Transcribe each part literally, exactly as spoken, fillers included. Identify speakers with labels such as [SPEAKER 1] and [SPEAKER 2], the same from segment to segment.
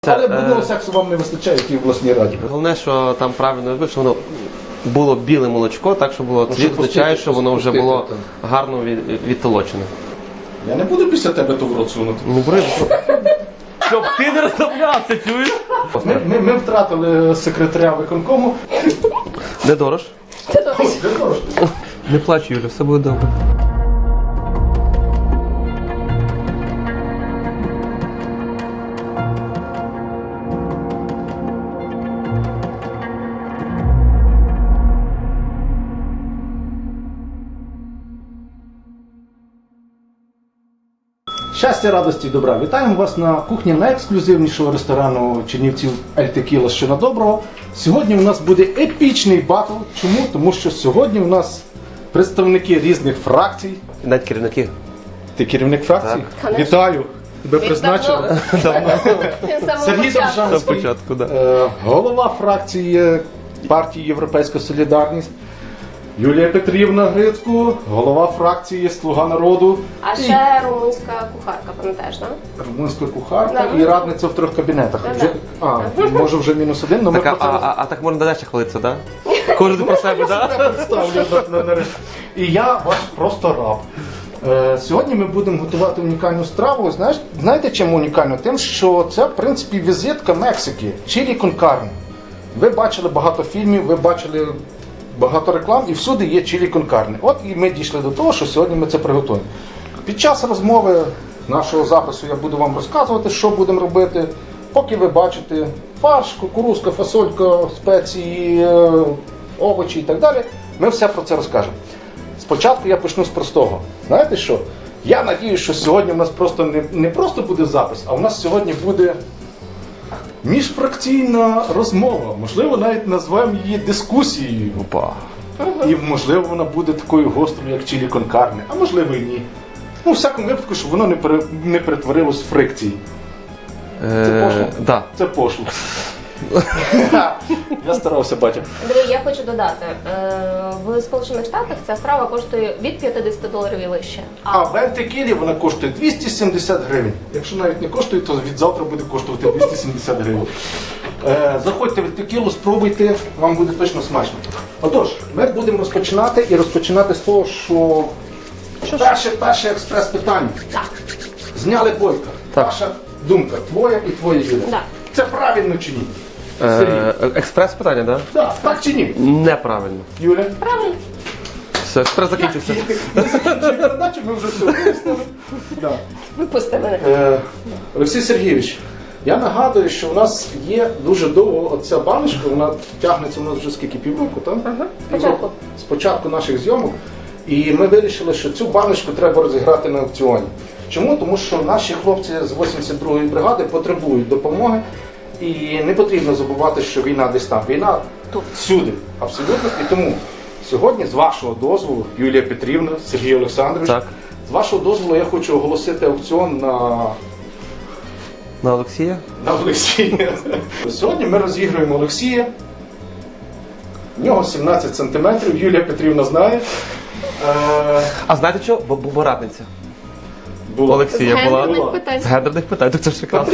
[SPEAKER 1] Це,
[SPEAKER 2] Але брудного
[SPEAKER 1] е...
[SPEAKER 2] сексу вам не вистачає, як і в власній раді.
[SPEAKER 1] Головне, що там правильно вибив, що воно було біле молочко, так що було, це означає, що воно вже було гарно від, відтолочене.
[SPEAKER 2] Я не буду після тебе то в рот сунути.
[SPEAKER 1] Ну, бери. Щоб ти не розслаблявся, чуєш?
[SPEAKER 2] Ми, ми, ми втратили секретаря виконкому.
[SPEAKER 1] Де Дорож?
[SPEAKER 3] Це добре.
[SPEAKER 2] Ой, де Дорож?
[SPEAKER 1] Не плач, Юля, все буде добре.
[SPEAKER 2] Щастя, радості і добра. Вітаємо вас на кухні найексклюзивнішого ресторану Чернівців Ель Текіла «Що на доброго». Сьогодні у нас буде епічний батл. Чому? Тому що сьогодні у нас представники різних фракцій.
[SPEAKER 1] Навіть керівники.
[SPEAKER 2] Ти керівник фракції?
[SPEAKER 3] Так.
[SPEAKER 2] Вітаю! Тебе призначили. Сергій
[SPEAKER 1] До
[SPEAKER 2] Довжанський,
[SPEAKER 1] початку, так.
[SPEAKER 2] е, голова фракції партії «Європейська Солідарність». Юлія Петрівна Грицько, голова фракції «Слуга народу».
[SPEAKER 3] А ще румунська кухарка, пам'ятаєш, так?
[SPEAKER 2] Румунська кухарка
[SPEAKER 3] Да.
[SPEAKER 2] і радниця в трьох кабінетах.
[SPEAKER 3] Да,
[SPEAKER 2] Вже, а, може вже мінус один, але ми
[SPEAKER 1] Так, а,
[SPEAKER 2] про це
[SPEAKER 1] а, а так можна далі хвалитися, так? Кожен про себе, так?
[SPEAKER 2] представлю. на- на- на- І я ваш просто раб. Е, Сьогодні ми будемо готувати унікальну страву. Знаєш, знаєте, чим унікально? Тим, що це, в принципі, візитка Мексики. Чилі кон карне. Ви бачили багато фільмів, ви бачили багато реклам, і всюди є чилі кон карне. От і ми дійшли до того, що сьогодні ми це приготуємо. Під час розмови нашого запису я буду вам розказувати, що будемо робити. Поки ви бачите фарш, кукурузка, фасолька, спеції, е, овочі і так далі, ми все про це розкажемо. Спочатку я почну з простого. Знаєте що? Я надіюсь, що сьогодні у нас просто не, не просто буде запис, а у нас сьогодні буде міжфракційна розмова. Можливо, навіть назвемо її дискусією.
[SPEAKER 1] Опа.
[SPEAKER 2] І можливо вона буде такою гострою, як чилі кон карне, а можливо і ні. Ну, в всякому випадку, щоб воно не, пере, не перетворилось в фрикції. Це пошло?
[SPEAKER 1] Так.
[SPEAKER 2] Це пошло. Я старався, батя.
[SPEAKER 3] Андрій, я хочу додати, е, в Сполучених Штатах ця страва коштує від п'ятдесят доларів і вище.
[SPEAKER 2] А в Ель Текілі вона коштує двісті сімдесят гривень. Якщо навіть не коштує, то від завтра буде коштувати двісті сімдесят гривень. Е, заходьте в Ель Текілу, спробуйте, вам буде точно смачно. Отож, ми будемо розпочинати і розпочинати з того, що перше, перше експрес-питання.
[SPEAKER 3] Так.
[SPEAKER 2] Зняли бойка.
[SPEAKER 1] Так.
[SPEAKER 2] Ваша думка, твоя і твоя Юля.
[SPEAKER 3] Да.
[SPEAKER 2] Це правильно чи ні? Сергій.
[SPEAKER 1] Е, Експрес питання, так?
[SPEAKER 2] Да, так чи ні?
[SPEAKER 1] Неправильно.
[SPEAKER 2] Юля?
[SPEAKER 3] Правильно.
[SPEAKER 1] Все, експрес закінчився.
[SPEAKER 2] Ми закінчили передачу, ми вже все вияснили. Да.
[SPEAKER 3] Випусти мене.
[SPEAKER 2] Е, Олексій Сергійович, я нагадую, що у нас є дуже довго оця баночка, вона тягнеться у нас вже скільки півроку, так?
[SPEAKER 3] Ага. Спочатку.
[SPEAKER 2] З початку наших зйомок. І ми вирішили, що цю баночку треба розіграти на аукціоні. Чому? Тому що наші хлопці з вісімдесят другої бригади потребують допомоги. І не потрібно забувати, що війна десь там. Війна тут всюди, абсолютно. І тому сьогодні, з вашого дозволу, Юлія Петрівна, Сергій Олександрович,
[SPEAKER 1] Так.
[SPEAKER 2] з вашого дозволу я хочу оголосити аукціон на,
[SPEAKER 1] На Олексія?
[SPEAKER 2] на Олексія. Сьогодні ми розігруємо Олексія. В нього сімнадцять сантиметрів, Юлія Петрівна знає. Е,
[SPEAKER 1] А знаєте що? Бо бо радниця.
[SPEAKER 2] була.
[SPEAKER 1] Олексія
[SPEAKER 3] З
[SPEAKER 1] була.
[SPEAKER 3] гендерних питань.
[SPEAKER 1] З гендерних питань, так це ж прекрасно.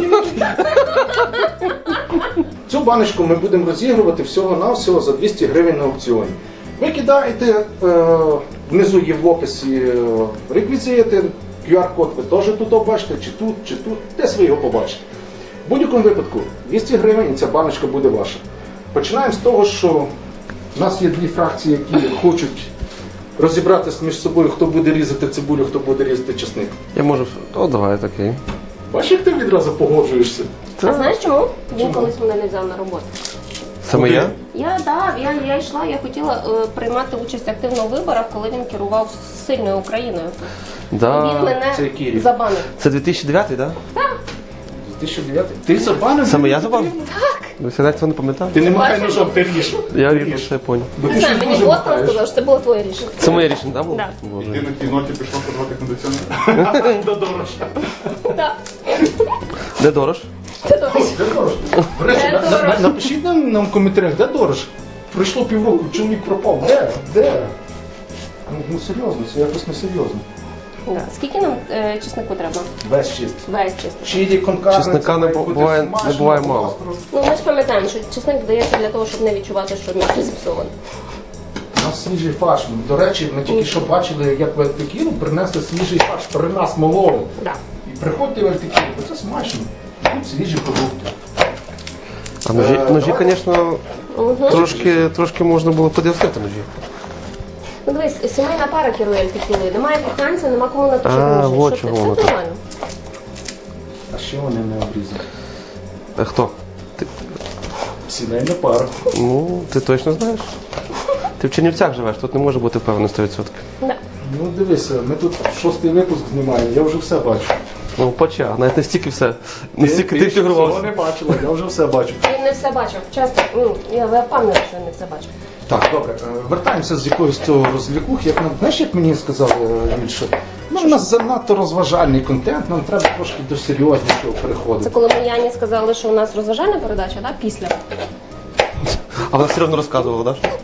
[SPEAKER 2] Цю баночку ми будемо розігрувати всього-навсього за двісті гривень на аукціоні. Ви кидаєте, е, внизу є в описі е, реквізити, ку ар-код ви теж тут бачите, чи тут, чи тут, десь ви його побачите. В будь-якому випадку двісті гривень і ця баночка буде ваша. Починаємо з того, що в нас є дві фракції, які хочуть розібратися між собою, хто буде різати цибулю, хто буде різати чесник.
[SPEAKER 1] Я можу. О, давай, окей.
[SPEAKER 2] Бачиш, як ти відразу погоджуєшся?
[SPEAKER 3] А знаєш чому? Він
[SPEAKER 2] Чому?
[SPEAKER 3] колись мене не взяв на роботу.
[SPEAKER 1] Саме я?
[SPEAKER 3] Я, да, я, я йшла, я хотіла е, приймати участь активно у виборах, коли він керував сильною Україною. Він
[SPEAKER 1] Да.
[SPEAKER 3] мене
[SPEAKER 2] Це який рік?
[SPEAKER 3] забанив.
[SPEAKER 1] Це дві тисячі дев'ятий, так?
[SPEAKER 2] дві тисячі дев'ятий? Ти забанив?
[SPEAKER 1] Саме я забав? Так. Ви все навіть цього не пам'ятав?
[SPEAKER 2] Ти не махай
[SPEAKER 3] Бачиш?
[SPEAKER 2] ножом, ти ріж.
[SPEAKER 1] Я рівно ще поняв.
[SPEAKER 2] Бо
[SPEAKER 3] Не
[SPEAKER 2] ти
[SPEAKER 3] знаю,
[SPEAKER 2] щось
[SPEAKER 3] мені
[SPEAKER 2] дуже
[SPEAKER 3] Бостон
[SPEAKER 2] махаєш.
[SPEAKER 3] сказав, що це було твоє рішення.
[SPEAKER 1] Це моє рішення, так було?
[SPEAKER 3] Да.
[SPEAKER 1] Боже.
[SPEAKER 4] Ти на кіноті пішов подавати кондиціонер.
[SPEAKER 2] До дорожча.
[SPEAKER 3] Так.
[SPEAKER 1] Де Дорож?
[SPEAKER 3] Це добре.
[SPEAKER 2] Де дорож? До речі,
[SPEAKER 3] Де
[SPEAKER 2] на- на-
[SPEAKER 3] дорож?
[SPEAKER 2] напишіть нам, нам в коментарях, де дорож? Пройшло півроку, чоловік пропав. Де? Де? Ну, ну серйозно, це якось не серйозно.
[SPEAKER 3] Да. Скільки нам е, чеснику треба?
[SPEAKER 2] Весь чист.
[SPEAKER 3] Весь чесник.
[SPEAKER 2] Чилі конкарне.
[SPEAKER 1] Чесника не бу- буває- не буває мало.
[SPEAKER 3] Ну, ми ж пам'ятаємо, що чесник додається для того, щоб не відчувати, що м'ясо зіпсоване.
[SPEAKER 2] У нас свіжий фарш. До речі, ми тільки що бачили, як в Альтикіру принесли свіжий фарш, при нас мололи.
[SPEAKER 3] Да.
[SPEAKER 2] І приходьте в Альтикіру, бо це смачно. Тут свіжі продукти.
[SPEAKER 1] А ножі,
[SPEAKER 2] Е,
[SPEAKER 1] ножі,
[SPEAKER 2] давай.
[SPEAKER 1] звісно, трошки, трошки можна було подивитися ножі.
[SPEAKER 3] Ну дивись, сімейна пара керує альтикілою. Немає коханця, нема кому наточити
[SPEAKER 1] А,
[SPEAKER 3] ножі.
[SPEAKER 1] от
[SPEAKER 3] Що ти?
[SPEAKER 1] чого воно
[SPEAKER 3] Все
[SPEAKER 1] так.
[SPEAKER 3] нормально.
[SPEAKER 2] А ще вони не обрізані.
[SPEAKER 1] А хто? Ти,
[SPEAKER 2] Сімейна пара.
[SPEAKER 1] ну, ти точно знаєш? Ти в Чернівцях живеш, тут не може бути впевнений сто відсотків.
[SPEAKER 3] Да.
[SPEAKER 2] Ну дивися, ми тут шостий випуск знімаємо, я вже все бачу.
[SPEAKER 1] Ну, поча, навіть не стільки все, не стільки ти
[SPEAKER 2] ще всього
[SPEAKER 1] фігурувався.
[SPEAKER 2] не бачила, я вже все бачу.
[SPEAKER 3] Він не все бачив. Часто, ну, я впевнена, що він не все бачив.
[SPEAKER 2] Так, добре, е, вертаємося з якогось цього розвлікух. Як нам, знаєш, як мені сказали більше? Ну, у нас занадто розважальний контент, нам треба трошки до серйознішого
[SPEAKER 3] Це
[SPEAKER 2] переходити.
[SPEAKER 3] коли ми Яні сказали, що у нас розважальна передача, да? Після.
[SPEAKER 1] А вона все одно розказувала, так? Да?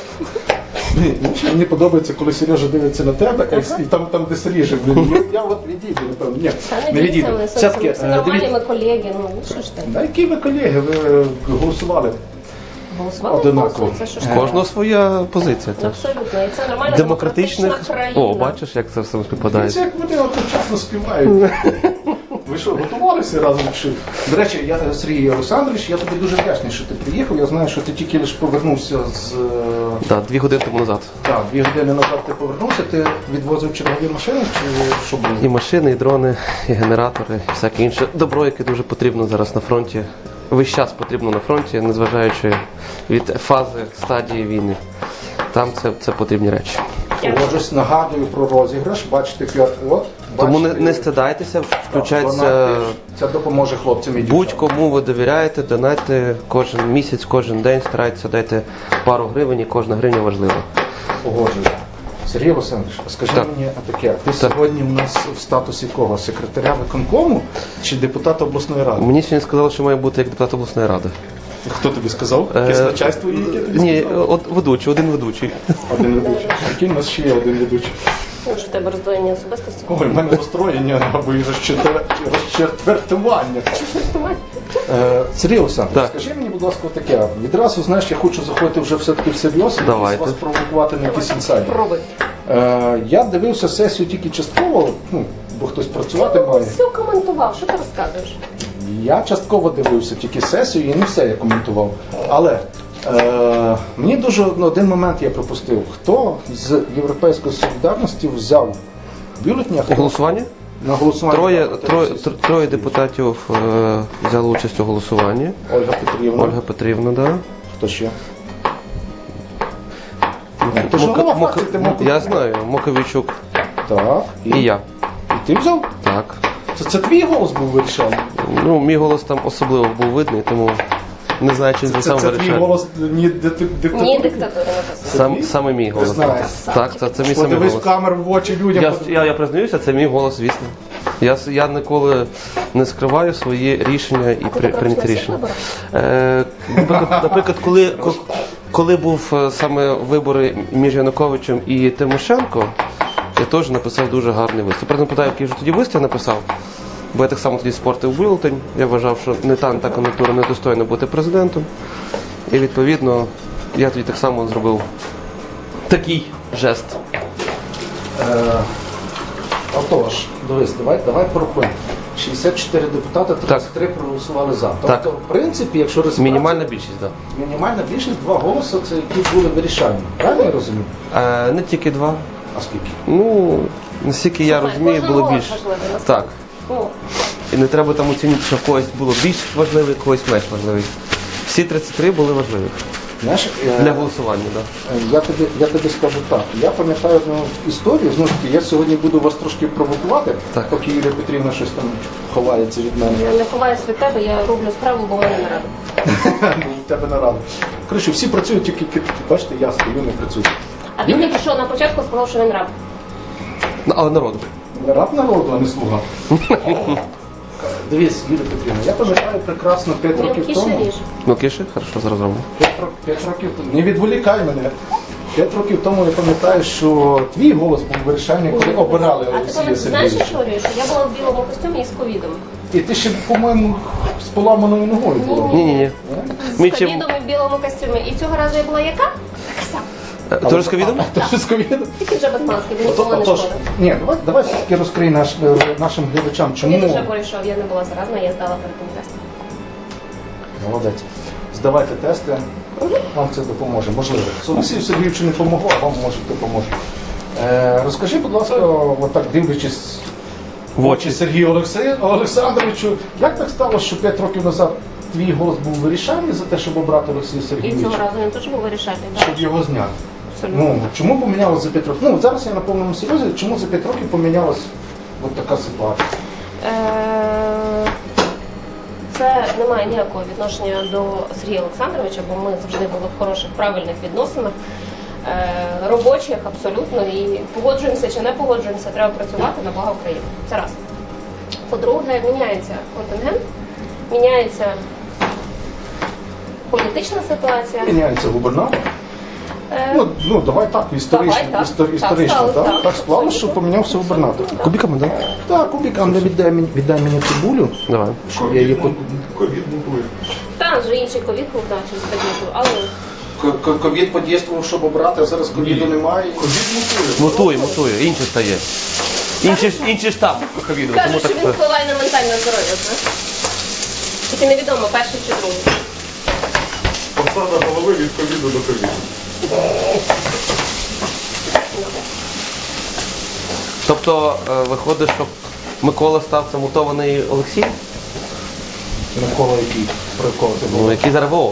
[SPEAKER 2] Ні, мені подобається, коли Сережа дивиться на тебе, і там, там де Сережа, блін, я, я от відійду, напевно. Ні,
[SPEAKER 3] Та
[SPEAKER 2] не
[SPEAKER 3] не дивіться,
[SPEAKER 2] відійду.
[SPEAKER 3] ми
[SPEAKER 2] Все-таки,
[SPEAKER 3] все
[SPEAKER 2] е,
[SPEAKER 3] нормальні,
[SPEAKER 2] дивіться,
[SPEAKER 3] ми колеги, ну що ж ти?
[SPEAKER 2] да, які ви колеги, ви голосували?
[SPEAKER 3] Голосували
[SPEAKER 2] Одинаково.
[SPEAKER 3] голосують, це що ж
[SPEAKER 1] У
[SPEAKER 3] таке?
[SPEAKER 1] кожного своя позиція.
[SPEAKER 3] Ну,
[SPEAKER 1] так.
[SPEAKER 3] абсолютно, і це нормальна
[SPEAKER 1] Демократичних.
[SPEAKER 3] демократична країна.
[SPEAKER 1] О, бачиш, як це все співпадає.
[SPEAKER 2] Це як вони одночасно співають. Ви що, готувалися разом? Чи? До речі, я Сергій Олександрович, я тобі дуже вдячний, що ти приїхав. Я знаю, що ти тільки лише повернувся з. е,
[SPEAKER 1] Так, дві години тому назад.
[SPEAKER 2] Так, дві години назад ти повернувся, ти відвозив чергові машини, чи що було?
[SPEAKER 1] І машини, і дрони, і генератори, і всяке інше добро, яке дуже потрібно зараз на фронті. Весь час потрібно на фронті, незважаючи від фази, стадії війни. Там це, це потрібні речі.
[SPEAKER 2] Погоджусь, нагадую про розіграш. Бачите, п'ят. От,
[SPEAKER 1] Тому не,
[SPEAKER 2] бачите,
[SPEAKER 1] не стидайтеся,
[SPEAKER 2] так,
[SPEAKER 1] включайтеся.
[SPEAKER 2] донати. Це допоможе хлопцям і дівчатам.
[SPEAKER 1] Будь-кому ви довіряєте, донайте кожен місяць, кожен день, старайтеся дайте пару гривень, і кожна гривня важлива.
[SPEAKER 2] Погоджуюсь. Сергій Олександрович, скажи
[SPEAKER 1] Так.
[SPEAKER 2] мені таке, ти сьогодні у нас в статусі кого? Секретаря виконкому чи депутата обласної ради?
[SPEAKER 1] Мені сьогодні сказали, що має бути як депутат обласної ради.
[SPEAKER 2] Хто тобі сказав?
[SPEAKER 1] Е,
[SPEAKER 2] Якесь начальство є, яке тобі
[SPEAKER 1] Ні,
[SPEAKER 2] сказало?
[SPEAKER 1] от ведучий, один ведучий.
[SPEAKER 2] Один ведучий. Який у нас ще є один ведучий?
[SPEAKER 3] Ну, що в тебе роздвоєння особистості?
[SPEAKER 2] Ой, в мене розстроєння або і розчетвер- розчетвертування. Е, Сергій Олександрович,
[SPEAKER 1] Так.
[SPEAKER 2] скажи мені, будь ласка, таке. Відразу, знаєш, я хочу заходити вже все-таки всерйоз і
[SPEAKER 1] Давайте.
[SPEAKER 2] вас провокувати на якісь інсайди.
[SPEAKER 3] Пробуй.
[SPEAKER 2] Е, я дивився сесію тільки частково, ну, бо хтось працювати має.
[SPEAKER 3] Все коментував, що ти розказуєш?
[SPEAKER 2] Я частково дивився тільки сесію і не все я коментував. Але е, мені дуже ну, один момент я пропустив. Хто з Європейської солідарності взяв бюлетні, а хто
[SPEAKER 1] Голосування?
[SPEAKER 2] на голосування?
[SPEAKER 1] Троє,
[SPEAKER 2] проти
[SPEAKER 1] троє,
[SPEAKER 2] Росії?
[SPEAKER 1] тр- троє депутатів е, взяли участь у голосуванні.
[SPEAKER 2] Ольга Петрівна.
[SPEAKER 1] Ольга Петрівна, да.
[SPEAKER 2] Хто ще? Ти ж
[SPEAKER 1] Мока-
[SPEAKER 2] голова
[SPEAKER 1] Мока-
[SPEAKER 2] фракції, ти Мока-
[SPEAKER 1] Я знаю, Моковійчук
[SPEAKER 2] Так.
[SPEAKER 1] і я.
[SPEAKER 2] І ти взяв?
[SPEAKER 1] Так.
[SPEAKER 2] Це, це твій голос був вирішальний?
[SPEAKER 1] Ну, мій голос там особливо був видний, тому не знаю, чи він
[SPEAKER 2] Це,
[SPEAKER 1] сам
[SPEAKER 2] це твій
[SPEAKER 1] вирішає.
[SPEAKER 2] голос ні дикта- диктатури?
[SPEAKER 3] Ні, диктатура написано.
[SPEAKER 1] Сам,
[SPEAKER 2] твій?
[SPEAKER 1] саме мій голос.
[SPEAKER 2] знаєш.
[SPEAKER 1] Так, це, це мій самий
[SPEAKER 2] Подивись
[SPEAKER 1] голос.
[SPEAKER 2] в камеру в очі людям.
[SPEAKER 1] Я,
[SPEAKER 2] подивись.
[SPEAKER 1] я, я признаюся, це мій голос, звісно. Я, с- я ніколи не скриваю свої рішення і
[SPEAKER 3] А ти
[SPEAKER 1] при,
[SPEAKER 3] так робиш
[SPEAKER 1] прийняті
[SPEAKER 3] на всіх
[SPEAKER 1] рішення.
[SPEAKER 3] виборах?
[SPEAKER 1] Е, наприклад, наприклад, коли, ко- коли був е, саме вибори між Януковичем і Тимошенко, я теж написав дуже гарний виступ. Я не питаю, який вже тоді виступ я написав, бо я так само тоді спортив бюлетень. Я вважав, що не та, не та кон'юнктура недостойна бути президентом. І відповідно я тоді так само зробив такий жест.
[SPEAKER 2] Е, Отож, дивись, давай, давай порахуємо. шістдесят чотири депутати, тридцять три проголосували за. Тобто,
[SPEAKER 1] Так.
[SPEAKER 2] в принципі, якщо розібратися,
[SPEAKER 1] Мінімальна більшість, так.
[SPEAKER 2] мінімальна більшість, два голоси, це які були вирішальні. Правильно я розумію?
[SPEAKER 1] Е, не тільки два.
[SPEAKER 2] А скільки?
[SPEAKER 1] Ну, наскільки я
[SPEAKER 3] Слухай,
[SPEAKER 1] розумію,
[SPEAKER 3] кожен
[SPEAKER 1] було
[SPEAKER 3] голос
[SPEAKER 1] більше.
[SPEAKER 3] важливий, насправді.
[SPEAKER 1] Так.
[SPEAKER 3] Ну,
[SPEAKER 1] І не треба там оцінювати, що в когось було більш важливий, когось менш важливий. Всі тридцять три були важливі
[SPEAKER 2] Знаєш, е,
[SPEAKER 1] для голосування, так.
[SPEAKER 2] е, я, тобі, я тобі скажу так. Я пам'ятаю одну історію, знову ж таки, я сьогодні буду вас трошки провокувати,
[SPEAKER 1] Так.
[SPEAKER 2] поки Юлія Петрівна щось там ховається від мене.
[SPEAKER 3] я не ховаюсь від тебе, я роблю справу, бо в мене не рада.
[SPEAKER 2] Ну, в тебе нарада. Коротше, всі працюють, тільки ки- бачите, я стою, не працюю.
[SPEAKER 3] А він тільки що на початку сказав, що він раб.
[SPEAKER 1] Ну, але народу.
[SPEAKER 2] Не раб народу, а не слуга. Дивись, Юлія Петрівна, я пам'ятаю прекрасно п'ять років
[SPEAKER 3] Мілкіше
[SPEAKER 2] тому.
[SPEAKER 3] ріж.
[SPEAKER 1] Ну, киши, хорошо, зараз робимо.
[SPEAKER 2] П'ять ро- п'ять років тому. Не відволікай мене. П'ять років тому я пам'ятаю, що твій голос був вирішальний, коли обирали
[SPEAKER 3] А ти
[SPEAKER 2] Олексія
[SPEAKER 3] пам'ятаєш, знаєш
[SPEAKER 2] Сергійовича.
[SPEAKER 3] історію, що я була в білому костюмі і з ковідом.
[SPEAKER 2] І ти ще, по-моєму, з поламаною ногою була.
[SPEAKER 1] Ні-ні-ні.
[SPEAKER 3] З
[SPEAKER 1] Ми чим-
[SPEAKER 3] ковідом і в білому костюмі. І цього разу я була яка? Така сама.
[SPEAKER 1] Е, Тоже з ковідом?
[SPEAKER 2] Ти що з ковідом?
[SPEAKER 3] Тільки вже без маски, бо
[SPEAKER 2] Ото-
[SPEAKER 3] ніколи не
[SPEAKER 2] Отож,
[SPEAKER 3] шкода.
[SPEAKER 2] ні, давай, давай все-таки розкрий наш, е, нашим глядачам,
[SPEAKER 3] Він
[SPEAKER 2] чому...
[SPEAKER 3] вже пройшов, я не була заразна, я здала перед тим тестом.
[SPEAKER 2] Молодець. Здавайте тести, вам це допоможе. Можливо. Олексію Сергійовичу не допомогло, а вам може допоможе. Е, розкажи, будь ласка, отак дивлячись в очі Сергію Олексе- Олександровичу, як так сталося, що п'ять років назад твій голос був вирішальний за те, щоб обрати Олексія
[SPEAKER 3] І цього
[SPEAKER 2] Сергійовича,
[SPEAKER 3] разу він теж був вирішальний. так.
[SPEAKER 2] щоб його зняти?
[SPEAKER 3] Абсолютно.
[SPEAKER 2] Ну, чому помінялось за п'ять років? Ну, зараз я на повному серйозі, чому за п'ять років помінялась от така ситуація?
[SPEAKER 3] Е, Це не має ніякого відношення до Сергія Олександровича, бо ми завжди були в хороших, правильних відносинах, е, робочих абсолютно, і погоджуємося чи не погоджуємося, треба працювати на благо України. Це раз. По-друге, міняється контингент, міняється політична ситуація.
[SPEAKER 2] Міняється губернатор.
[SPEAKER 3] Е,
[SPEAKER 2] Ну, ну давай так, історично,
[SPEAKER 3] Давай так.
[SPEAKER 2] істор-
[SPEAKER 3] Так
[SPEAKER 2] історично,
[SPEAKER 3] сталося,
[SPEAKER 2] так?
[SPEAKER 3] так.
[SPEAKER 2] Так склалося, що
[SPEAKER 3] Абсолютно.
[SPEAKER 2] помінявся губернатор.
[SPEAKER 1] Кубиками, так?
[SPEAKER 2] Так, Кубік, Андрій, віддай мені, віддай мені цибулю,
[SPEAKER 1] Давай.
[SPEAKER 2] щоб я її... по-
[SPEAKER 4] Ковід мутує.
[SPEAKER 3] Та вже інший ковід був, так, через таблетку, але
[SPEAKER 2] К- к- Ковід подійствував, щоб обрати, а зараз ковіду немає.
[SPEAKER 4] Ковід мутує.
[SPEAKER 1] Мутує, мутує, інше стає. Інший, інший штаб ковіду. Тому
[SPEAKER 3] кажуть, що
[SPEAKER 1] так
[SPEAKER 3] він впливає на ментальне здоров'я, знаєш. Тільки невідомо, перший чи другий.
[SPEAKER 4] Посада голови від ковіду до ковіду.
[SPEAKER 1] Тобто е, виходить, що Микола став це мутований Олексій?
[SPEAKER 2] Микола який, про якого ти
[SPEAKER 1] Ну,
[SPEAKER 2] був?
[SPEAKER 1] який зараз ВО.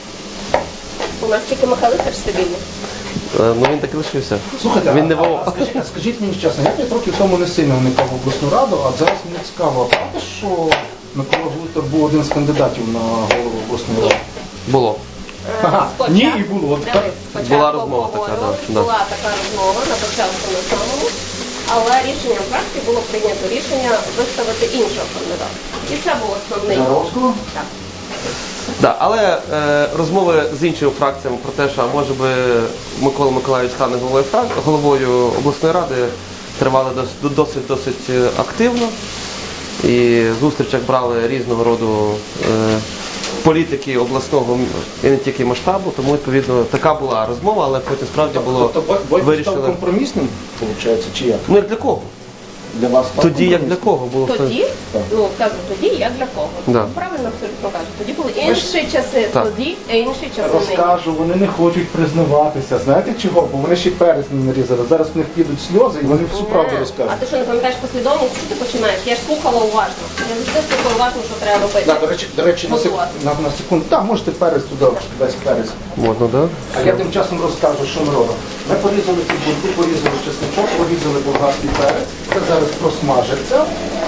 [SPEAKER 3] У нас тільки Михайлихар стабільний.
[SPEAKER 1] Е, Ну він так і лишився.
[SPEAKER 2] Слухайте,
[SPEAKER 1] Він не
[SPEAKER 2] а,
[SPEAKER 1] ВО.
[SPEAKER 2] а скажіть, а скажіть мені чесно, я п'ять років тому не сильно вникав в обласну раду, а зараз мені цікаво, а правда, що Микола Гулитер був один з кандидатів на голову обласної ради?
[SPEAKER 1] Було.
[SPEAKER 2] Ага,
[SPEAKER 3] Спочатку-
[SPEAKER 2] ні, і було.
[SPEAKER 3] Дивись, спочатку
[SPEAKER 1] Була розмова така,
[SPEAKER 3] обговорювали,
[SPEAKER 1] да, да.
[SPEAKER 3] була така розмова на початку на самому, але рішенням фракції було прийнято рішення виставити іншого кандидата. І це був основний.
[SPEAKER 2] Яровського?
[SPEAKER 3] Так.
[SPEAKER 1] Да, але е, розмови з іншими фракціями про те, що а може би Микола Миколаївич стане головою, фрак... головою обласної ради, тривали дос- досить досить е, активно. І в зустрічах брали різного роду е, політики обласного м- і не тільки масштабу, тому відповідно така була розмова, але потім справді було
[SPEAKER 2] Тобто Бойко став
[SPEAKER 1] вирішено.
[SPEAKER 2] компромісним, виходить, чи як?
[SPEAKER 1] Ну як для кого?
[SPEAKER 2] Для вас став
[SPEAKER 1] Тоді як для
[SPEAKER 2] компромісним?
[SPEAKER 1] кого було все?
[SPEAKER 3] Тоді,
[SPEAKER 2] Так.
[SPEAKER 3] ну кажу, тоді як для кого.
[SPEAKER 1] Да.
[SPEAKER 3] Правильно абсолютно кажуть. Тоді були інші часи,
[SPEAKER 1] Так.
[SPEAKER 3] тоді, а інші часи нині.
[SPEAKER 2] Розкажу, вони не хочуть признаватися. Знаєте чого? Бо вони ще перець не нарізали. Зараз в них підуть сльози і вони всю правду
[SPEAKER 3] Ні. А
[SPEAKER 2] розкажуть.
[SPEAKER 3] ти що не пам'ятаєш послідовність? Що ти починаєш? Я ж слухала уважно. Я завжди слухала уважно, що треба робити.
[SPEAKER 2] Да, до речі, до речі, на, сек...
[SPEAKER 3] Готувати.
[SPEAKER 2] на, на секунду. Так, можете перець туди, весь перець.
[SPEAKER 1] Можна, да?
[SPEAKER 2] А я тим часом розкажу, що ми робимо. Ми порізали цибульку, порізали чесничок, порізали болгарський перець. Це зараз просмажиться.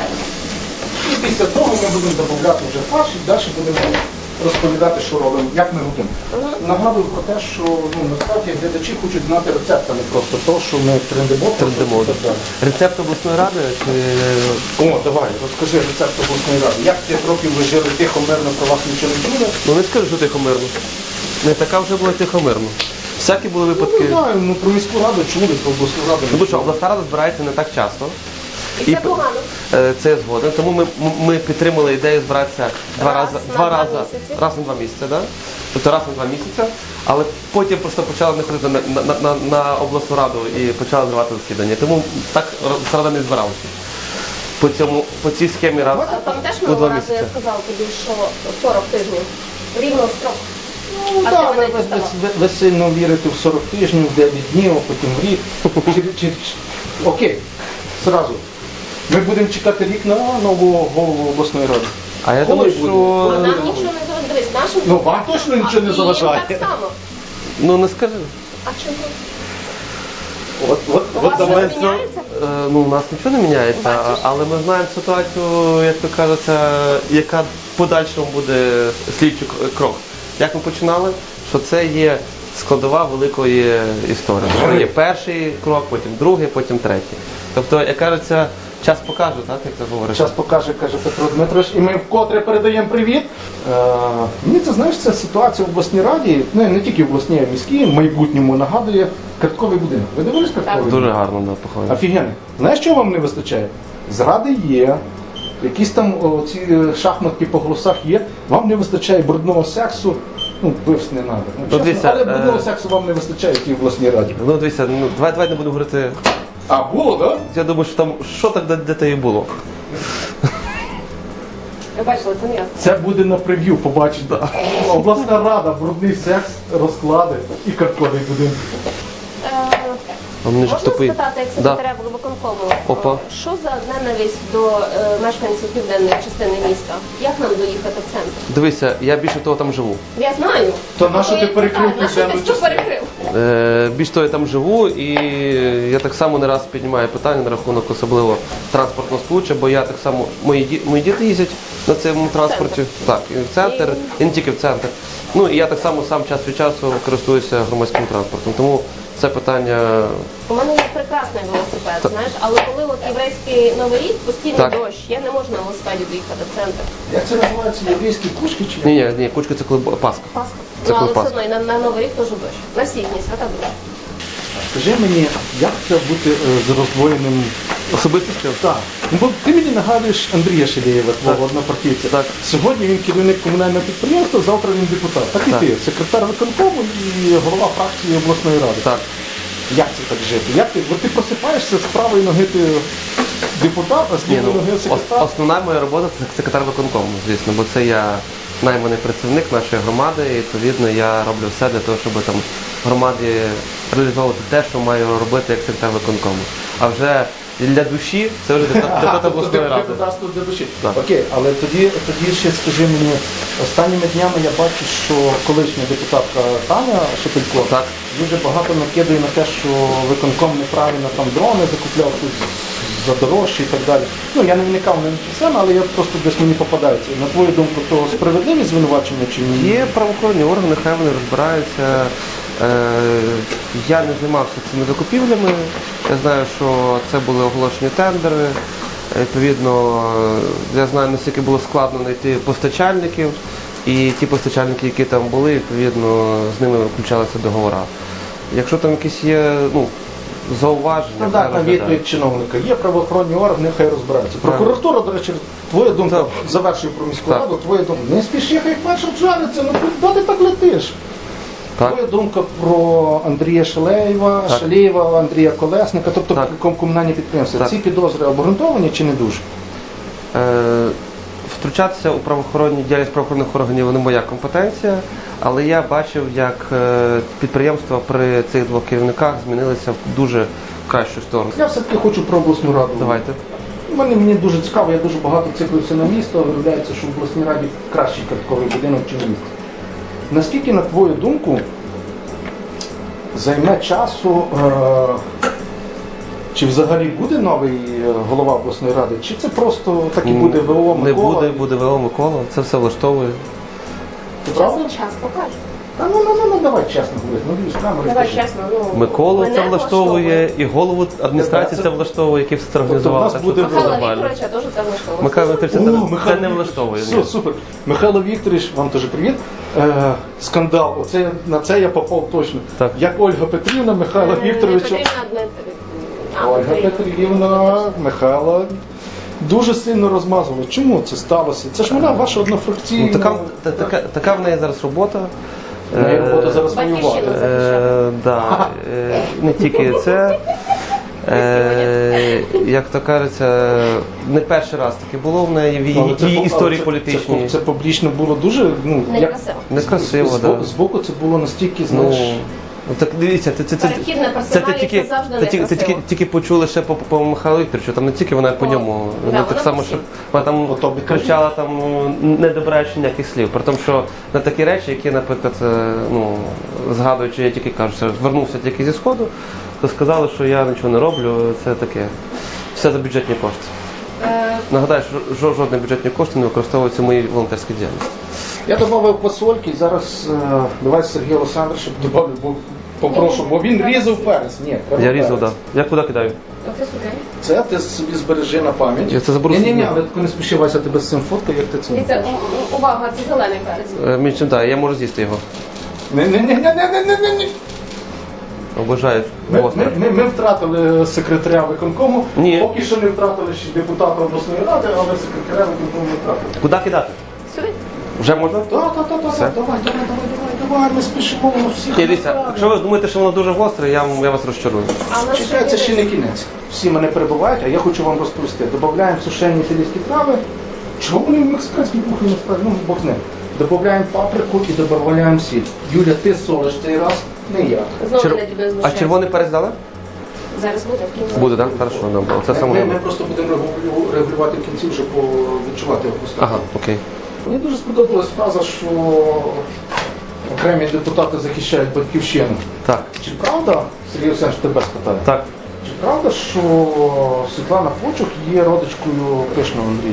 [SPEAKER 2] І після того ми будемо додати вже фарш і далі будемо розповідати, що робимо, як ми робимо. Нагадую про те, що ну, насправді глядачі хочуть знати рецепт, а не просто то, що ми трендимо.
[SPEAKER 1] Трендимо.
[SPEAKER 2] і так далі.
[SPEAKER 1] Рецепт обласної ради чи
[SPEAKER 2] О, давай, розкажи рецепт обласної ради. Як п'ять років ви жили тихо, мирно, про вас нічого не чули?
[SPEAKER 1] ну не скажу, що тихомирно. Не така вже була тихомирно. Всякі були
[SPEAKER 2] Ну,
[SPEAKER 1] випадки.
[SPEAKER 2] не знаю, ну про міську раду чули, про обласну раду.
[SPEAKER 1] Ну
[SPEAKER 2] не
[SPEAKER 1] бо що,
[SPEAKER 2] чули.
[SPEAKER 1] обласна рада збирається не так часто.
[SPEAKER 3] І це погано.
[SPEAKER 1] Е, Це я згоден. Тому ми, ми підтримали ідею збиратися два
[SPEAKER 3] Раз
[SPEAKER 1] рази,
[SPEAKER 3] на
[SPEAKER 1] два
[SPEAKER 3] два
[SPEAKER 1] рази,
[SPEAKER 3] місяці.
[SPEAKER 1] раз на два місяці, да? Тобто раз на два місяці. Але потім просто почали не ходити на, на, на, на обласну раду і почали зривати засідання. Тому так обласна рада не збиралася. По цьому, по цій схемі раз
[SPEAKER 3] А пам'ятаєш,
[SPEAKER 1] у
[SPEAKER 3] минулого
[SPEAKER 1] два
[SPEAKER 3] разу я
[SPEAKER 1] місяці.
[SPEAKER 3] сказала тобі, що сорок тижнів рівно строк.
[SPEAKER 2] Ну,
[SPEAKER 3] А
[SPEAKER 2] да,
[SPEAKER 3] ти
[SPEAKER 2] ви,
[SPEAKER 3] мене
[SPEAKER 2] ви,
[SPEAKER 3] діставав.
[SPEAKER 2] ви, ви сильно вірите в сорок тижнів, в дев'ять днів, а потім в рік. Чи- чи- чи- Окей, зразу. Ми будемо чекати рік на нового голову обласної ради.
[SPEAKER 1] А я
[SPEAKER 2] Коли
[SPEAKER 1] думаю,
[SPEAKER 2] буде?
[SPEAKER 3] Бо
[SPEAKER 1] що...
[SPEAKER 3] нам нічого не заважає. Дивись, нашим
[SPEAKER 2] Ну, вам точно нічого не
[SPEAKER 3] А, і їм
[SPEAKER 2] заважає.
[SPEAKER 3] так само.
[SPEAKER 1] Ну не скажи.
[SPEAKER 3] А чому?
[SPEAKER 2] От, от,
[SPEAKER 3] У
[SPEAKER 2] от
[SPEAKER 3] вас
[SPEAKER 2] давай.
[SPEAKER 3] щось міняється?
[SPEAKER 1] Е, Ну, у нас нічого не міняється,
[SPEAKER 3] Бачиш?
[SPEAKER 1] але ми знаємо ситуацію, як то кажеться, яка в подальшому буде слідчий к- крок. Як ми починали, що це є складова великої історії. Що є перший крок, потім другий, потім третій. Тобто, як кажеться, Час покаже, так, як це говориш?
[SPEAKER 2] Час покаже, каже Петро Дмитрович, і ми вкотре передаємо привіт. Е, мені це, знаєш, це ситуація в обласній раді, ну не тільки в обласній, а й міській, в майбутньому нагадує картковий будинок. Ви дивились картковий
[SPEAKER 1] Дуже
[SPEAKER 2] будинок?
[SPEAKER 1] гарно, да, походить.
[SPEAKER 2] Офігенно. Знаєш, чого вам не вистачає? Зради є, якісь там о, ці е, шахматки по голосах є, вам не вистачає брудного сексу, ну, пивс не треба. Ну, чесно,
[SPEAKER 1] дивіться,
[SPEAKER 2] але брудного
[SPEAKER 1] е,
[SPEAKER 2] сексу вам не вистачає в тій обласній раді.
[SPEAKER 1] Ну, дивіться, ну, давай, давай не буду говорити.
[SPEAKER 2] А, було, так? Да?
[SPEAKER 1] Я думаю, що там, що так де, де те і було.
[SPEAKER 3] Ви бачили, це м'ясо.
[SPEAKER 2] Це буде на прев'ю, побачите. Обласна рада, брудний секс, розклади і картковий будинок.
[SPEAKER 3] Е,
[SPEAKER 1] А мені ж
[SPEAKER 3] Можна
[SPEAKER 1] тупий.
[SPEAKER 3] спитати, як секретаря виконкому,
[SPEAKER 1] Опа.
[SPEAKER 3] що за ненависть до е, мешканців південної частини міста? Як нам доїхати в центр?
[SPEAKER 1] Дивися, я більше того там живу.
[SPEAKER 3] Я знаю.
[SPEAKER 2] То на що ти
[SPEAKER 3] Такої
[SPEAKER 2] перекрив
[SPEAKER 3] питання, на що ти
[SPEAKER 2] південну
[SPEAKER 3] що
[SPEAKER 2] частину?
[SPEAKER 3] перекрив?
[SPEAKER 1] Е, більш того, я там живу, і я так само не раз піднімаю питання на рахунок особливо транспортного сполуччя, бо я так само, мої, ді- мої діти їздять на цьому транспорті, так, і в центр, і не тільки в центр. Ну і я так само сам час від часу користуюся громадським транспортом. Тому це питання.
[SPEAKER 3] У мене є прекрасний велосипед, знаєш, але коли от єврейський новий рік, постійний
[SPEAKER 1] Так.
[SPEAKER 3] дощ, я не можу на велосипеді доїхати в центр.
[SPEAKER 2] Як це називається? Єврейські кушки чи
[SPEAKER 1] Ні,
[SPEAKER 2] як?
[SPEAKER 1] ні, ні, кучка це коли Пасха.
[SPEAKER 3] Пасха.
[SPEAKER 1] Це
[SPEAKER 3] Ну, але
[SPEAKER 1] коли
[SPEAKER 3] все одно і на, на новий рік теж дощ. На всі дні, свята дощ.
[SPEAKER 2] Скажи мені, як це бути е, з роздвоєним...
[SPEAKER 1] Особистістю?
[SPEAKER 2] Так. Ну, бо ти мені нагадуєш Андрія Шелєєва, твого однопартійця.
[SPEAKER 1] Так.
[SPEAKER 2] Сьогодні він керівник комунального підприємства, завтра він депутат. Так і
[SPEAKER 1] Так.
[SPEAKER 2] ти, секретар виконкому і голова фракції обласної ради.
[SPEAKER 1] Так.
[SPEAKER 2] Як це так жити? Як ти, от ти просипаєшся з правої ноги ти депутат, а з
[SPEAKER 1] Ні,
[SPEAKER 2] лівої
[SPEAKER 1] ну,
[SPEAKER 2] ноги
[SPEAKER 1] ос-
[SPEAKER 2] секретар?
[SPEAKER 1] основна моя робота це секретар виконкому, звісно, бо це я найманий працівник нашої громади, і відповідно я роблю все для того, щоб там громаді реалізовувати те, що маю робити як секретар виконкому. А вже для душі це вже депутат обласної ради.
[SPEAKER 2] Депутатство для душі.
[SPEAKER 1] Так.
[SPEAKER 2] Окей, але тоді, тоді ще скажи мені, останніми днями я бачу, що колишня депутатка Таня Шепелько
[SPEAKER 1] Так.
[SPEAKER 2] дуже багато накидує на те, що виконком неправильно там дрони закупляв тут за дорожчі і так далі. Ну, я не вникав не саме, але я просто десь мені попадається. На твою думку, то справедливі звинувачення чи ні?
[SPEAKER 1] Є правоохоронні органи, хай вони розбираються. Е, Я не займався цими закупівлями. Я знаю, що це були оголошені тендери. Відповідно, я знаю, наскільки було складно знайти постачальників. І ті постачальники, які там були, відповідно, з ними включалися договори. Якщо там якісь є ну, зауваження, хай
[SPEAKER 2] Стандартна
[SPEAKER 1] розглядають.
[SPEAKER 2] відповідь чиновника. Є правоохоронні органи, хай розбираються. Прокуратура, до речі, твоя думка,
[SPEAKER 1] Так.
[SPEAKER 2] завершив про міську
[SPEAKER 1] Так.
[SPEAKER 2] раду, твоя думка. Не спіши, хай перше вжариться, ну куди ти так летиш?
[SPEAKER 1] Так.
[SPEAKER 2] Твоя думка про Андрія Шелеєва,
[SPEAKER 1] Так.
[SPEAKER 2] Шалєєва, Андрія Колесника, тобто
[SPEAKER 1] Так.
[SPEAKER 2] ком- комунальні підприємства.
[SPEAKER 1] Так.
[SPEAKER 2] Ці підозри обґрунтовані чи не дуже?
[SPEAKER 1] Е, Втручатися у правоохоронні діяльність правоохоронних органів не моя компетенція, але я бачив, як е, підприємства при цих двох керівниках змінилися в дуже кращу сторону.
[SPEAKER 2] Я все-таки хочу про обласну раду.
[SPEAKER 1] Давайте.
[SPEAKER 2] Мені, мені дуже цікаво, я дуже багато циклився на місто, виявляється, що в обласній раді кращий картковий будинок, ніж місто. Наскільки, на твою думку, займе часу, е- чи взагалі буде новий е, голова обласної ради, чи це просто так і буде ВО Микола?
[SPEAKER 1] Не буде, буде ВО Микола, це все влаштовує.
[SPEAKER 2] Ти правда?
[SPEAKER 3] Час, час покаже.
[SPEAKER 2] Та ну, ну, ну, ну, давай чесно говорити, ну, дивись, камери
[SPEAKER 3] Давай
[SPEAKER 2] скажи.
[SPEAKER 3] чесно, ну
[SPEAKER 1] Миколу
[SPEAKER 3] мене
[SPEAKER 1] це влаштовує, і голову адміністрації
[SPEAKER 2] Це-
[SPEAKER 1] це влаштовує, який все це
[SPEAKER 2] Тобто в
[SPEAKER 1] організував.
[SPEAKER 2] нас
[SPEAKER 1] Так
[SPEAKER 2] буде
[SPEAKER 1] що це
[SPEAKER 3] Михайла
[SPEAKER 1] нормально.
[SPEAKER 3] Вікторовича теж це влаштовує.
[SPEAKER 1] Михайло Вікторович, це,
[SPEAKER 2] О,
[SPEAKER 1] не-
[SPEAKER 2] Михайло
[SPEAKER 1] це не
[SPEAKER 2] Вікторович.
[SPEAKER 1] влаштовує.
[SPEAKER 2] Все,
[SPEAKER 1] ні.
[SPEAKER 2] супер. Михайло Вікторович, вам теж привіт. Е, скандал. Оце, на це я попав точно.
[SPEAKER 1] Так.
[SPEAKER 2] Як Ольга Петрівна, Михайло
[SPEAKER 3] Не
[SPEAKER 2] Вікторович.
[SPEAKER 3] Петрівна, не- а,
[SPEAKER 2] Ольга
[SPEAKER 3] Петрівна.
[SPEAKER 2] Петрівна, Михайла дуже сильно розмазували. Чому це сталося? Це ж вона ваша однофракційна.
[SPEAKER 1] Ну, така, та- така, така в неї зараз робота.
[SPEAKER 2] В неї робота
[SPEAKER 1] Е,
[SPEAKER 2] зараз
[SPEAKER 3] Батьківщина.
[SPEAKER 2] воювати.
[SPEAKER 1] Е, да, е, не тільки це. Е, як то кажеться, не перший раз таке було в неї в її,
[SPEAKER 2] Але це
[SPEAKER 1] її
[SPEAKER 2] по-
[SPEAKER 1] історії
[SPEAKER 2] це-
[SPEAKER 1] політичній.
[SPEAKER 2] Це, це публічно було дуже, ну, як,
[SPEAKER 3] Некрасиво.
[SPEAKER 1] Некрасиво,
[SPEAKER 2] з,
[SPEAKER 1] так.
[SPEAKER 2] з, збоку це було настільки,
[SPEAKER 1] Ну,
[SPEAKER 2] знаєш,
[SPEAKER 1] ну, так дивіться, це, це, це,
[SPEAKER 3] Перехід на
[SPEAKER 1] це,
[SPEAKER 3] персоналі
[SPEAKER 1] ти тільки,
[SPEAKER 3] це завжди
[SPEAKER 1] ти, тільки, ти
[SPEAKER 3] некрасиво.
[SPEAKER 1] тільки, тільки почули ще по, по Михайлу Вікторовичу, там не тільки вона по
[SPEAKER 3] О,
[SPEAKER 1] ньому.
[SPEAKER 3] да,
[SPEAKER 1] Ну,
[SPEAKER 3] вона
[SPEAKER 1] так
[SPEAKER 3] по
[SPEAKER 1] само,
[SPEAKER 3] всім.
[SPEAKER 1] що вона там
[SPEAKER 2] По тобі
[SPEAKER 1] кричала, там, ну, не добираючи ніяких слів. При тому, що на такі речі, які, наприклад, е, ну, згадуючи, я тільки кажу, що звернувся тільки зі Сходу, то сказали, що я нічого не роблю, це таке. Все за бюджетні кошти.
[SPEAKER 3] Е,
[SPEAKER 1] Нагадаю, що жо- жодні бюджетні кошти не використовуються в моїй волонтерській діяльності.
[SPEAKER 2] я додав посольки, зараз е, давай Сергій Олександрович, щоб додав, бо попрошу, бо він різав перець. Ні, треба
[SPEAKER 1] Я різав,
[SPEAKER 2] перець.
[SPEAKER 1] так. Да. Я куди кидаю?
[SPEAKER 3] Оце сюди.
[SPEAKER 2] Це ти собі збережи на пам'ять.
[SPEAKER 1] Я це заберу
[SPEAKER 2] Ні, ні, ні,
[SPEAKER 1] собі.
[SPEAKER 2] але тако не спішивайся, тебе з цим фоткою, як ти це.
[SPEAKER 3] Дивіться, у- у- увага, це зелений перець.
[SPEAKER 1] Е, Між чим так, я можу з'їсти його.
[SPEAKER 2] Ні, ні, ні, ні, ні, ні, ні, ні.
[SPEAKER 1] Обожаю.
[SPEAKER 2] Ми,
[SPEAKER 1] гостре.
[SPEAKER 2] ми, ми, ми втратили секретаря виконкому.
[SPEAKER 1] Ні.
[SPEAKER 2] Поки що не втратили ще депутата обласної ради, але секретаря виконкому не втратили.
[SPEAKER 1] Куди кидати?
[SPEAKER 3] Сюди.
[SPEAKER 1] Вже можна?
[SPEAKER 2] Так, так, так, так,
[SPEAKER 1] Все.
[SPEAKER 2] давай, давай, давай, давай, давай, ми спішимо на всіх.
[SPEAKER 1] Ні, дивіться, якщо ви думаєте, що воно дуже гостре, я, вам- я вас розчарую.
[SPEAKER 3] А у нас
[SPEAKER 2] Чекай, це ще
[SPEAKER 3] є
[SPEAKER 2] не кінець. Всі мене перебувають, а я хочу вам розповісти. Додаємо сушені італійські трави. Чого вони в мексиканській кухні не справді? Ну, Бог з ним. Додаємо паприку і додаємо сіль. Юля, ти солиш цей раз, не я.
[SPEAKER 3] Знову
[SPEAKER 1] Чер-
[SPEAKER 3] не тебе
[SPEAKER 1] А
[SPEAKER 3] знущається.
[SPEAKER 1] червоний перець дали?
[SPEAKER 3] Зараз буде в кінці.
[SPEAKER 1] Буде, так? Хорошо, добре. Це саме
[SPEAKER 2] Ми, ми
[SPEAKER 1] головне.
[SPEAKER 2] просто будемо регулю- регулювати в кінці, щоб по- відчувати його вкус.
[SPEAKER 1] Ага, окей.
[SPEAKER 2] Мені дуже сподобалась фраза, що окремі депутати захищають батьківщину.
[SPEAKER 1] Так,
[SPEAKER 2] Чи правда, Сергій Олександрович, тебе спитаю,
[SPEAKER 1] так.
[SPEAKER 2] чи правда, що Світлана Фочук є родичкою Пишного Андрія?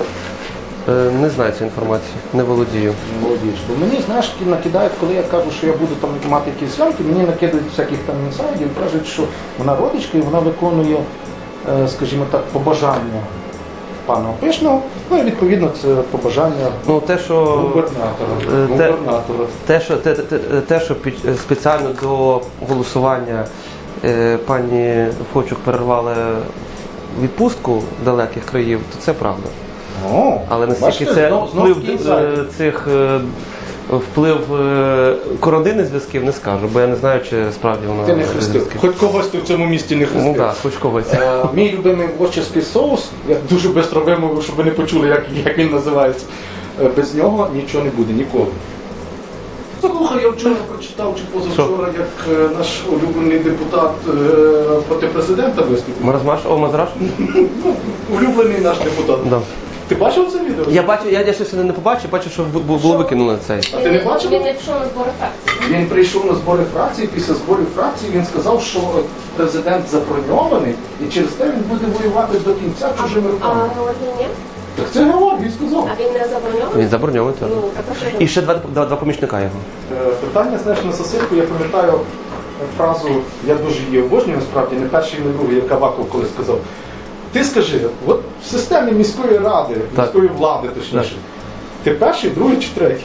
[SPEAKER 1] Е, Не знаю цієї інформації, не володію.
[SPEAKER 2] Молодіж. Бо мені, знаєш, кі- накидають, коли я кажу, що я буду там мати якісь зйомки, мені накидають всяких там інсайдів, кажуть, що вона родичка і вона виконує, е, скажімо так, побажання пана Пишного. Ну і відповідно це побажання
[SPEAKER 1] Ну, те, що...
[SPEAKER 2] губернатора.
[SPEAKER 1] Е, те-
[SPEAKER 2] губернатора.
[SPEAKER 1] Те, що, те, те, те, що під, спеціально до голосування е, пані Фочук перервали відпустку далеких країв, то це правда.
[SPEAKER 2] О,
[SPEAKER 1] Але наскільки
[SPEAKER 2] бачите,
[SPEAKER 1] це
[SPEAKER 2] знов- знов
[SPEAKER 1] вплив
[SPEAKER 2] такий
[SPEAKER 1] е,
[SPEAKER 2] інсайд.
[SPEAKER 1] цих е, вплив е, коронних зв'язків, не скажу, бо я не знаю, чи справді вона
[SPEAKER 2] Ти не хрестив.
[SPEAKER 1] зв'язки.
[SPEAKER 2] Хоч когось ти в цьому місті не хрестив.
[SPEAKER 1] Ну так, хоч когось.
[SPEAKER 2] Е, Мій любимий вочерський соус, я дуже швидко вимовив, щоб ви не почули, як, як він називається. Е, Без нього нічого не буде, ніколи. Слухай, я вчора прочитав, чи позавчора, як е, наш улюблений депутат е, проти президента виступив.
[SPEAKER 1] Маразмаш, о, Мазраш?
[SPEAKER 2] Ну, улюблений наш депутат.
[SPEAKER 1] Да.
[SPEAKER 2] Ти бачив це відео?
[SPEAKER 1] Я бачу, я, я щось не побачив, бачу, що бу- бу- було викинули цей.
[SPEAKER 2] А ти не бачив?
[SPEAKER 3] Він не пішов на збори фракції.
[SPEAKER 2] Він прийшов на збори фракції, після зборів фракції він сказав, що президент заброньований і через те він буде воювати до кінця чужими
[SPEAKER 3] А
[SPEAKER 2] руками.
[SPEAKER 3] Георгій ні?
[SPEAKER 2] Так це Георгій сказав.
[SPEAKER 3] А він не заброньований?
[SPEAKER 1] Він заброньований теж.
[SPEAKER 3] Ну, так а що ж?
[SPEAKER 1] І ще два, два, два помічника його.
[SPEAKER 2] Е, Питання, знаєш, на сосиску, я пам'ятаю фразу, я дуже її обожнюю, насправді, не перший, не другий, як Аваков колись сказав. Ти скажи, от в системі міської ради,
[SPEAKER 1] Так.
[SPEAKER 2] міської влади, точніше, ти перший, другий чи третій?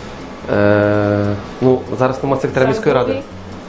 [SPEAKER 1] Е, ну, зараз немає секретаря міської ради.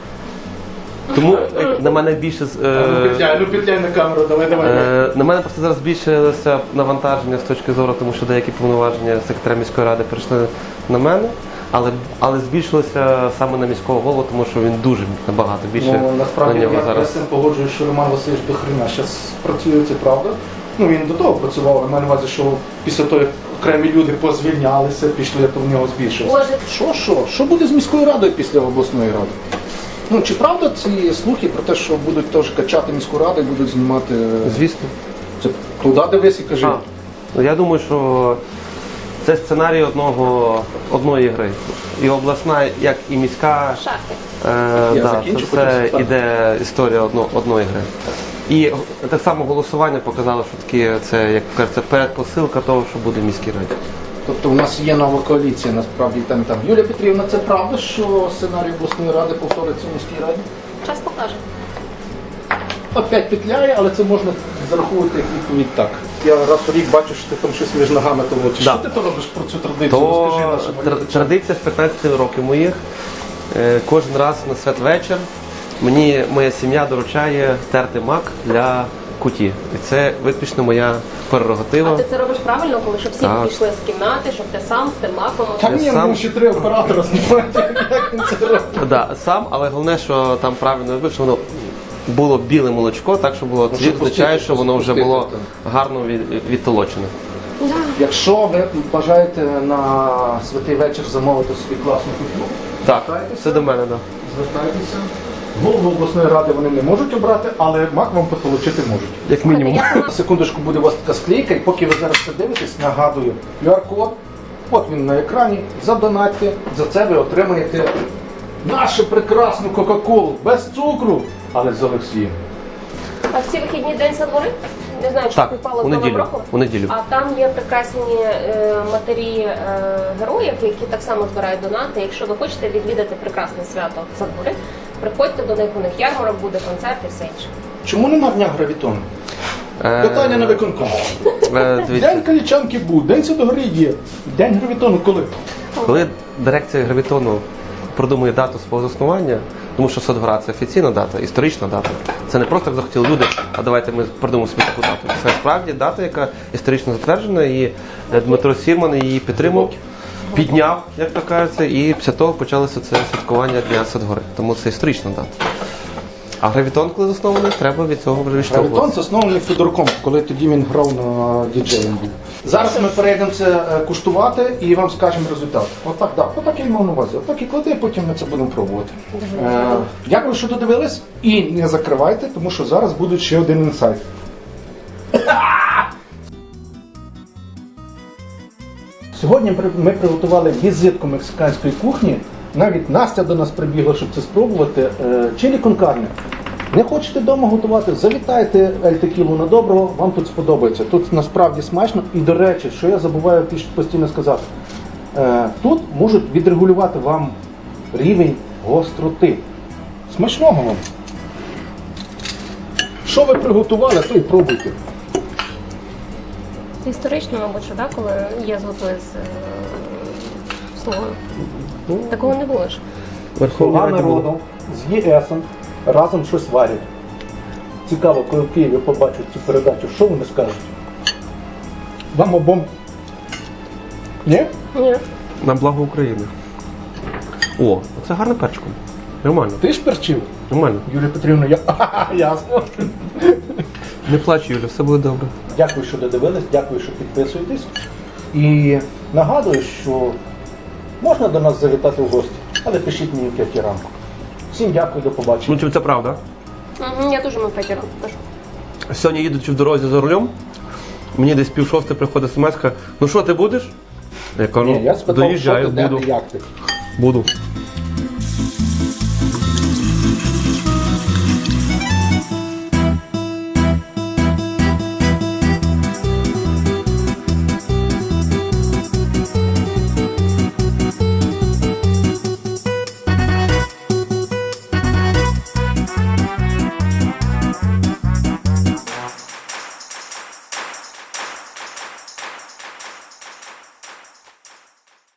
[SPEAKER 1] Тому е, на мене більше з-
[SPEAKER 2] А, ну,
[SPEAKER 1] е,
[SPEAKER 2] петляй, ну петляй на камеру, давай, давай.
[SPEAKER 1] е, на мене просто зараз збільшилося навантаження з точки зору, тому що деякі повноваження секретаря міської ради перейшли на мене, але, але збільшилося саме на міського голову, тому що він дуже набагато більше
[SPEAKER 2] Ну, насправді
[SPEAKER 1] на нього
[SPEAKER 2] я, я
[SPEAKER 1] зараз.
[SPEAKER 2] з цим погоджуюсь, що Роман Васильович до хрена зараз працює, це правда. Ну він до того працював, я маю на увазі, що після того, як окремі люди позвільнялися, пішли, то в нього збільшилося.
[SPEAKER 3] Боже.
[SPEAKER 2] Що, що? Що буде з міською радою після обласної ради? Ну чи правда ці слухи про те, що будуть теж качати міську раду і будуть знімати?
[SPEAKER 1] Звісно.
[SPEAKER 2] Це туди дивись і кажи.
[SPEAKER 1] А, ну, я думаю, що це сценарій одного, одної гри. І обласна, як і міська,
[SPEAKER 3] Шахи.
[SPEAKER 1] е,
[SPEAKER 2] Я
[SPEAKER 1] да,
[SPEAKER 2] закінчу,
[SPEAKER 1] це
[SPEAKER 2] потім
[SPEAKER 1] все
[SPEAKER 2] спитаю.
[SPEAKER 1] іде історія одно, одної гри. І так само голосування показало, що таке, це, як кажеться, передпосилка того, що буде в міській раді.
[SPEAKER 2] Тобто у нас є нова коаліція, насправді там і там. Юлія Петрівна, це правда, що сценарій обласної ради повториться в міській раді?
[SPEAKER 3] Час покаже.
[SPEAKER 2] Опять петляє, але це можна зараховувати як відповідь так. Я раз у рік бачу, що ти там щось між ногами толочиш.
[SPEAKER 1] Да.
[SPEAKER 2] Що ти то робиш про цю традицію?
[SPEAKER 1] То
[SPEAKER 2] Розкажи нашим
[SPEAKER 1] тр-
[SPEAKER 2] глядачам.
[SPEAKER 1] традиція з п'ятнадцяти років моїх. Е, Кожен раз на святвечір мені моя сім'я доручає терти мак для куті. І це виключно моя
[SPEAKER 3] А
[SPEAKER 1] прерогатива.
[SPEAKER 3] ти це робиш правильно, коли щоб всі
[SPEAKER 1] Так.
[SPEAKER 3] пішли з кімнати, щоб ти сам з тим маком.
[SPEAKER 2] Та ні,
[SPEAKER 1] сам-
[SPEAKER 2] ну ще три оператора знімають, як він це робить.
[SPEAKER 1] Да, сам, але головне, що там правильно робив, що воно було біле молочко, так що було
[SPEAKER 2] Ну,
[SPEAKER 1] це
[SPEAKER 2] щоб
[SPEAKER 1] означає,
[SPEAKER 2] пустити,
[SPEAKER 1] що воно вже
[SPEAKER 2] пустити,
[SPEAKER 1] було
[SPEAKER 2] так.
[SPEAKER 1] гарно від- відтолочене.
[SPEAKER 2] Якщо ви бажаєте на святий вечір замовити собі класну кухню,
[SPEAKER 1] Так,
[SPEAKER 2] звертайтеся.
[SPEAKER 1] це до мене, так.
[SPEAKER 2] звертайтеся. Голову обласної ради вони не можуть обрати, але мак вам потолочити можуть.
[SPEAKER 1] Як мінімум.
[SPEAKER 3] Я сама
[SPEAKER 2] На секундочку буде у вас така склейка, і поки ви зараз це дивитесь, нагадую, ку ар-код, от він на екрані, задонатьте, за це ви отримаєте нашу прекрасну Кока-Колу, без цукру, але з Олексієм.
[SPEAKER 3] А в ці вихідні день со двори? Не знаю, чи
[SPEAKER 1] Так,
[SPEAKER 3] співпало
[SPEAKER 1] у
[SPEAKER 3] з Новим
[SPEAKER 1] неділю.
[SPEAKER 3] роком.
[SPEAKER 1] У неділю.
[SPEAKER 3] А там є прекрасні е, матері е, героїв, які так само збирають донати. Якщо ви хочете відвідати прекрасне свято за двори, приходьте до них, у них ярмарок буде, концерт і все інше.
[SPEAKER 2] Чому нема дня гравітону?
[SPEAKER 1] Е,
[SPEAKER 2] Питання на виконком.
[SPEAKER 1] е, дивіться.
[SPEAKER 2] День Калічанки був, День Святого Гри є. День гравітону коли?
[SPEAKER 1] Коли дирекція гравітону продумує дату свого заснування, тому що Садгора це офіційна дата, історична дата. Це не просто так захотіли люди, а давайте ми придумаємо собі таку дату. Це справді дата, яка історично затверджена, і Дмитро Сірман її підтримав, підняв, як то кажеться, і після того почалося це святкування Дня Садгори. Тому це історична дата. А гравітон, коли заснований, треба від цього вже
[SPEAKER 2] Гравітон
[SPEAKER 1] відштовхуватися.
[SPEAKER 2] заснований Федорком, коли тоді він грав на діджеєм був. Зараз ми перейдемо це е, куштувати і вам скажемо результат. Отак, так, отак я й мав на увазі. Отак і клади, потім ми це будемо пробувати. Е, дякую, що додивились. І не закривайте, тому що зараз буде ще один інсайт. Сьогодні при- ми приготували візитку мексиканської кухні. Навіть Настя до нас прибігла, щоб це спробувати. Е, Чилі кон карне. Не хочете вдома готувати? Завітайте Ель Текілу на доброго, вам тут сподобається. Тут насправді смачно. І до речі, що я забуваю піш- постійно сказати, е, тут можуть відрегулювати вам рівень гостроти. Смачного вам! Що ви приготували, то і пробуйте.
[SPEAKER 3] Це історично, мабуть, що, да, коли є зготує з е, слугою. Такого не було ж.
[SPEAKER 2] Слуга народу з ЄСом разом щось варять. Цікаво, коли в Києві побачать цю передачу, що вони скажуть? Вам обом. Ні?
[SPEAKER 3] Ні.
[SPEAKER 1] На благо України. О, це гарно перчиком. Нормально,
[SPEAKER 2] Ти ж перчив?
[SPEAKER 1] нормально.
[SPEAKER 2] Юлія Петрівна, я. Ха-ха, ясно.
[SPEAKER 1] Не плач, Юля, все буде добре.
[SPEAKER 2] Дякую, що додивились, дякую, що підписуєтесь. І нагадую, що можна до нас завітати в гості, але пишіть мені в п'ятій ранку. Всім дякую, до побачення.
[SPEAKER 1] Ну, чи це правда?
[SPEAKER 3] Мгм, я теж мав п'ятеро. Тож.
[SPEAKER 1] Сьогодні їдучи в дорозі за рулем, мені десь пів шостої приходить смс-ка, ну що, ти будеш? Я кажу,
[SPEAKER 2] Ні, я спитав, що
[SPEAKER 1] доїжджаю,
[SPEAKER 2] ти, де
[SPEAKER 1] буду.
[SPEAKER 2] ти, як ти.
[SPEAKER 1] Буду.